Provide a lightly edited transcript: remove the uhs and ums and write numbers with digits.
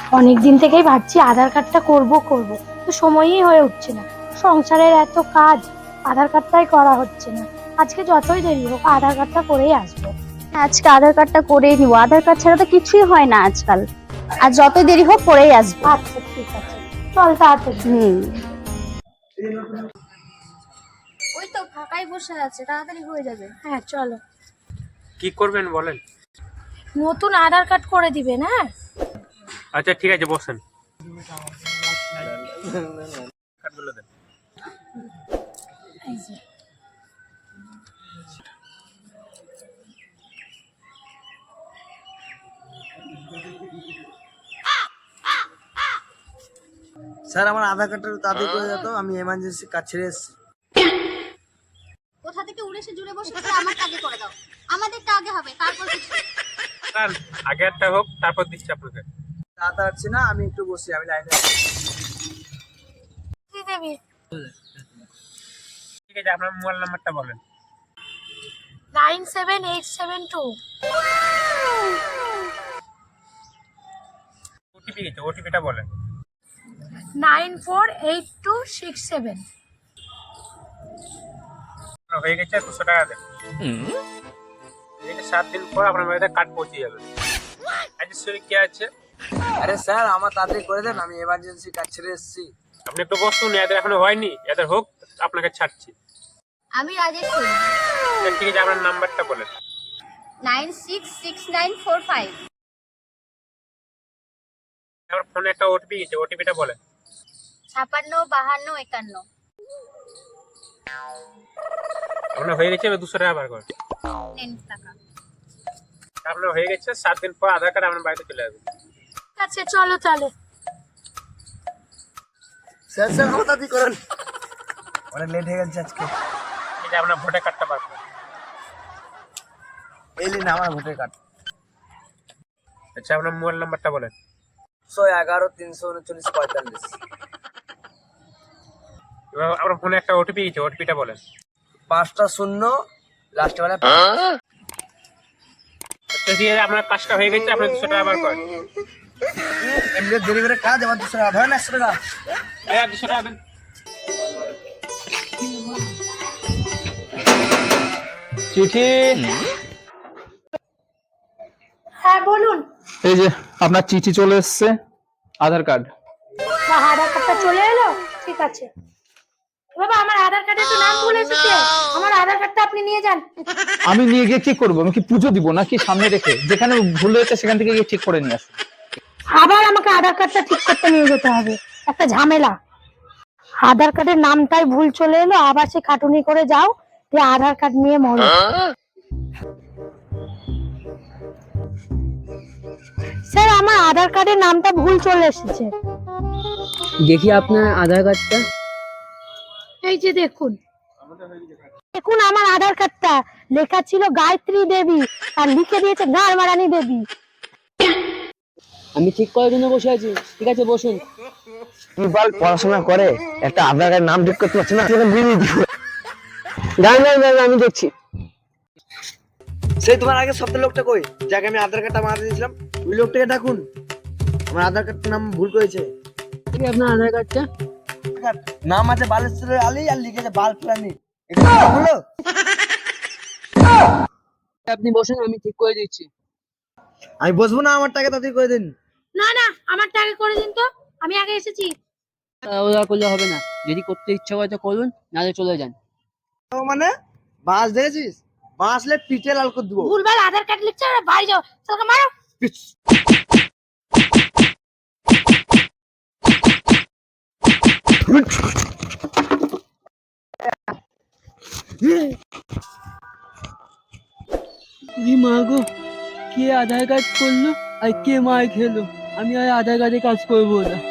অনেক দিন থেকেই ভাবছি আধার কার্ডটা করব তো সময়ই হয়ে উঠছে না। সংসারের এত কাজ, আধার কার্ডটাই করা হচ্ছে না। আজকে যতই দেরি হোক আধার কার্ডটা করেই আসবো। আজকে আধার কার্ডটা করেই নিব, আধার কার্ড ছাড়া তো কিছুই হয় না আজকাল। আর যতই দেরি হোক করেই আসবো। আচ্ছা ঠিক আছে, চল তাড়াতাড়ি। ওই তো ফাঁকাই বসে আছে, তাড়াতাড়ি হয়ে যাবে। হ্যাঁ চলো। কি করবেন বলেন? নতুন আধার কার্ড করে দিবেন? হ্যাঁ আচ্ছা ঠিক আছে, বসেন। কার্ডগুলো দেন। এই যে। স্যার আমার আধার কার্ডটা তাড়াতাড়ি করে যেত, আমি এমার্জেন্সি কাজ ছেড়ে এসেছি। কোথা থেকে উড়ে এসে জুড়ে বসে আছে, আমারটা আগে করে দাও। আমাদেরটা আগে হবে, তারপর কিছু। স্যার আগে একটা হোক, তারপর দিচ্ছি আপনাকে। তাড়াতাড়ি হচ্ছে না, আমি একটু বসি, আমি লাইনে আছি। কি দেবি? ঠিক আছে, আপনার মোবাইল নাম্বারটা বলেন। 97872। ওটিপি গেছে, ওটিপিটা বলেন। 948267। হয়ে গেছে, 200 টাকা দেন। এই যে 7 দিন পর আপনার বাড়িতে কার্ড পৌঁছে যাবে। আজকে শরীর কে আছে? আরে স্যার আমার তাড়াতাড়ি করে দেন, আমি এমার্জেন্সি কাজ ছেড়ে এসেছি। আপনি একটু বসুন, এদের এখনো হয়নি, এদের হোক আপনাকে ছাড়ছি। আমি রাজেশ্বরী। ঠিক আছে, আপনার নাম্বারটা বলেন। 966945। আমার ফোনে একটা ওটিপি গেছে, ওটিপিটা বলেন। 565251। আপনার হয়ে গেছে, 200 টাকা বার করেন। নেন টাকা। আপনার হয়ে গেছে, 7 দিন পর আধার কার্ড আপনার বাড়িতে চলে যাবে। আচ্ছা চলো তাহলে। স্যার স্যার আমার তাড়াতাড়ি করেন, অনেক লেট হয়ে গেছে আজকে। এই যে আপনার ভোটার কার্ডটা বার করেন। এই নিন আমার ভোটার কার্ড। আচ্ছা আপনার মোবাইল নাম্বারটা বলেন। 111 339 45। এবার আপনার ফোনে একটা ওটিপি গেছে, ওটিপিটা বলেন। 5টা 0 লাস্টে বেলা। আচ্ছা ঠিক আছে, আপনার কাজটা হয়ে গেছে, আপনি 200 টাকা বার করেন। এমনি দেরি করে কাজ, আমার 200 টাকা ধরেন, 100 টাকা। এই 200 টাকা দেন। চিঠি। হ্যাঁ বলুন। এই যে আপনার চিঠি চলে এসেছে, আধার কার্ড। আধার কার্ডটা চলে এলো? ঠিক আছে। বাবা আমার আধার কার্ডে তো নাম ভুল এসেছে, আমার আধার কার্ডটা আপনি নিয়ে যান। আমি নিয়ে গিয়ে কি করবো? আমি কি পুজো দিব নাকি সামনে রেখে? যেখানে ভুল হয়েছে সেখান থেকে গিয়ে ঠিক করে নিয়ে আসি। আবার আমাকে আধার কার্ডটা ঠিক করতে নিয়ে যেতে হবে, একটা ঝামেলা। আধার কার্ডের নামটাই ভুল চলে এলো, আবার সে খাটুনি করে যাও যে আধার কার্ড নিয়ে মরো। স্যার আমার আধার কার্ডের নামটা ভুল চলে এসেছে। দেখি আপনার আধার কার্ডটা। এই যে দেখুন, দেখুন আমার আধার কার্ডটা লেখা ছিল গায়ত্রী দেবী, আর লিখে দিয়েছে গাড়মারানি দেবী। আমি ঠিক করার জন্য বসে আছি, ঠিক আছে বসুন। বল পড়াশোনা করে একটা আধার কার্ডের নাম ঠিক করতে পারছে না। আমি দেখছি। সেই তোমার আগে সপ্তাহ লোকটা কই, যাকে আমি আধার কার্ডটা বানাতে দিয়েছিলাম, ওই লোকটাকে ডাকুন। আমার আধার কার্ডটার নাম ভুল করেছে। ঠিক আপনার আধার কার্ডটা। নাম আছে বালেশ্বরের আলী আর লিখেছে বাল প্রাণী। এটা কি হলো? আপনি বসুন, আমি ঠিক করে দিচ্ছি। আমি বসবো না, আমার টাকা তাড়াতাড়ি করে দিন। না না আমারটা আগে করে দিন তো, আমি আগে এসেছি। ওরা করলে হবে না, যদি করতে ইচ্ছা করে তো করুন, নাহলে চলে যান। মানে বাস দেখেছিস, বাসলে পিঠে লাল করে দেবো। ভুলভাল আধার কার্ড লিখছে, বাড়ি যাও, চলকে মারো। মা গো, কে আধার কার্ড করলো আর কে মার খেলো? আমি আর আধার কার্ডে কাজ করবো না।